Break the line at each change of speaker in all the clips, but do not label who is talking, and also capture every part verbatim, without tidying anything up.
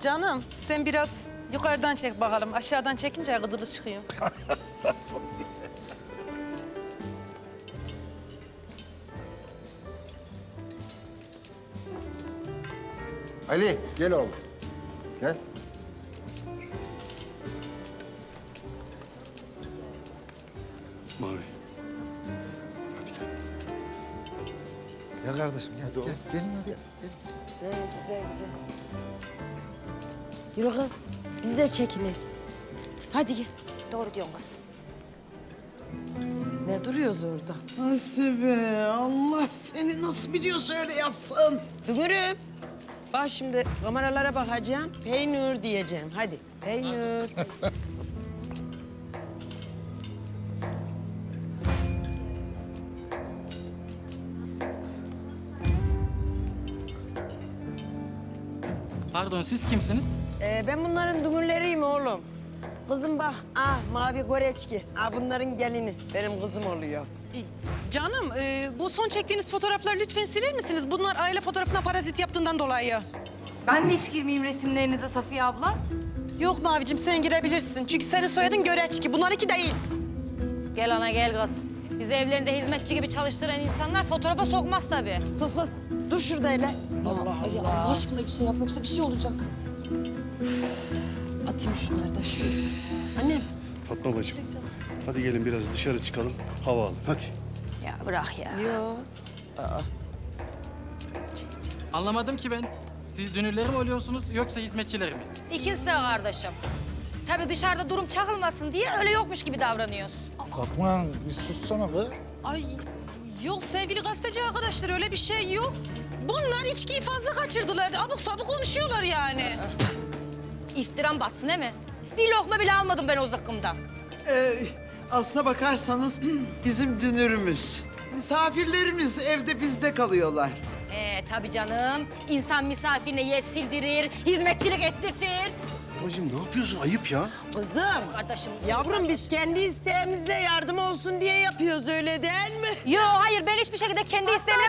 Canım sen biraz yukarıdan çek bakalım. Aşağıdan çekince gıdılı çıkıyor.
Sağ ol. Ali gel oğlum. Gel.
Mavi. Hadi gel.
Gel kardeşim gel. Gel. Gelin hadi. Gel.
He, güzel güzel. Yürü kız. Biz de çekinek. Hadi gel.
Doğru diyorsun kız.
Ne duruyoruz orada?
Hasibe, Allah seni nasıl biliyorsa öyle yapsın.
Dünürüm. Bak şimdi kameralara bakacağım. Peynir diyeceğim. Hadi. Peynir.
Pardon, siz kimsiniz?
Ee, ben bunların dünürleriyim oğlum. Kızım bak. Ah mavi goreçki. Ah bunların gelini. Benim kızım oluyor.
E, Canım e, bu son çektiğiniz fotoğrafları lütfen siler misiniz? Bunlar aile fotoğrafına parazit yaptığından dolayı.
Ben de hiç girmeyeyim resimlerinize Safiye abla.
Yok Mavicim sen girebilirsin. Çünkü senin soyadın Göreçki. Bunlar iki değil.
Gel ana gel kız. Bizi evlerinde hizmetçi gibi çalıştıran insanlar fotoğrafa sokmaz tabii.
Sus kız. Dur şurada hele. Allah
Ay
Allah.
Allah aşkına bir şey yap yoksa bir şey olacak.
Atayım şunları da.
Annem.
Fatma bacım. Hadi gelin biraz dışarı çıkalım. Hava alın. Hadi.
Ya bırak ya.
Yok.
Anlamadım ki ben. Siz dünürleri mi oluyorsunuz yoksa hizmetçileri mi?
İkisi de kardeşim. Tabii dışarıda durum çakılmasın diye öyle yokmuş gibi davranıyoruz.
Fatma bir sussana be.
Ay yok sevgili gazeteci arkadaşlar öyle bir şey yok. Bunlar içkiyi fazla kaçırdılar. Abuk sabuk konuşuyorlar yani.
İftiram batsın değil mi? Bir lokma bile almadım ben o zıkkımdan.
Ee, aslına bakarsanız bizim dünürümüz. Misafirlerimiz evde bizde kalıyorlar.
Ee tabii canım. İnsan misafirine yer sildirir, hizmetçilik ettirtir.
Bacım ne yapıyorsun? Ayıp ya.
Kızım.
Kardeşim.
Yavrum biz kendi isteğimizle yardım olsun diye yapıyoruz öyle değil mi?
Yo hayır ben hiçbir şekilde kendi isteğimle...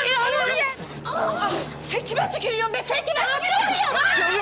Sen kime tükürüyorsun be? Sen kime tükürüyorsun?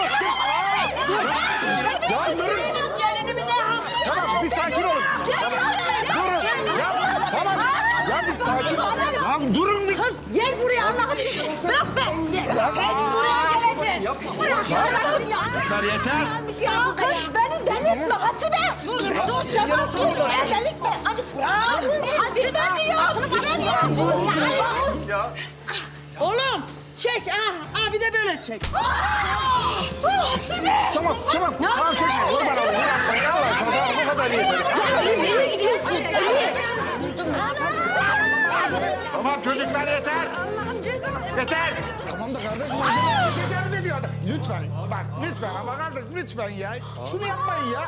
Ya durun. Tamam bir sakin olun. Durun. Ya tamam. Ya bir sakin olun. Ya durun bir.
Kız gel buraya Allah'ım. Bırak be. Sen buraya geleceksin. Kardeşim ya.
Yeter yeter.
Ya kız beni delirtme Hasibe. Dur dur çabuk dur. Delirtme. Hadi Hasibe diyor. Hasibe diyor.
Oğlum çek ah, ah bir de böyle çek.
Tamam tamam. Tamam çekme. Kurban olayım. Yapma ya. Tamam bu kadar iyi.
Nereye gidiyorsun?
Tamam çocuklar yeter.
Allah'ım cezası.
Yeter. Tamam da kardeşim malzemeyi tecavüz ediyor adam. Lütfen bak lütfen ama kardeş lütfen ya. Şunu yapmayın ya.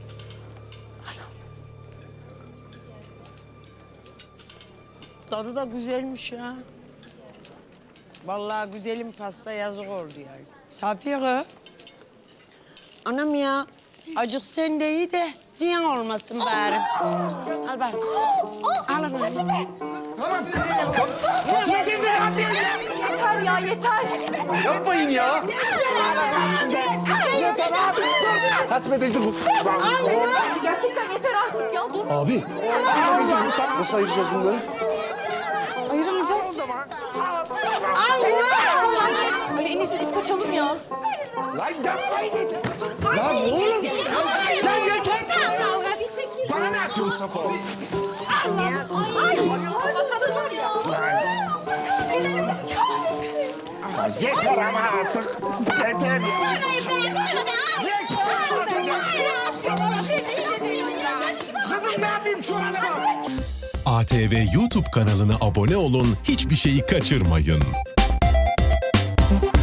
Tadı da güzelmiş ya. Vallahi güzelim pasta yazık oldu yani. Safiye kız. Anam ya. Acık sen de iyi de ziyan olmasın bari. Al bak. Al anam.
Tamam. Fatma teyze ne yapıyorsun ya?
Yeter ya yeter.
Yapmayın ya. Yeter abi. Hasbe teyze bu.
Gerçekten yeter artık ya dur.
Abi. Nasıl ayıracağız bunları?
Ayıramayacağız. Ay en iyisi biz kaçalım ya.
Lan yapmayın yeter. Lan oğlum. Lan yeter. Bana ne atıyorsun Safa? Yeter ama artık. Yeter. Kızım ne yapayım şu hale bak.
A T V YouTube kanalına abone olun, hiçbir şeyi kaçırmayın.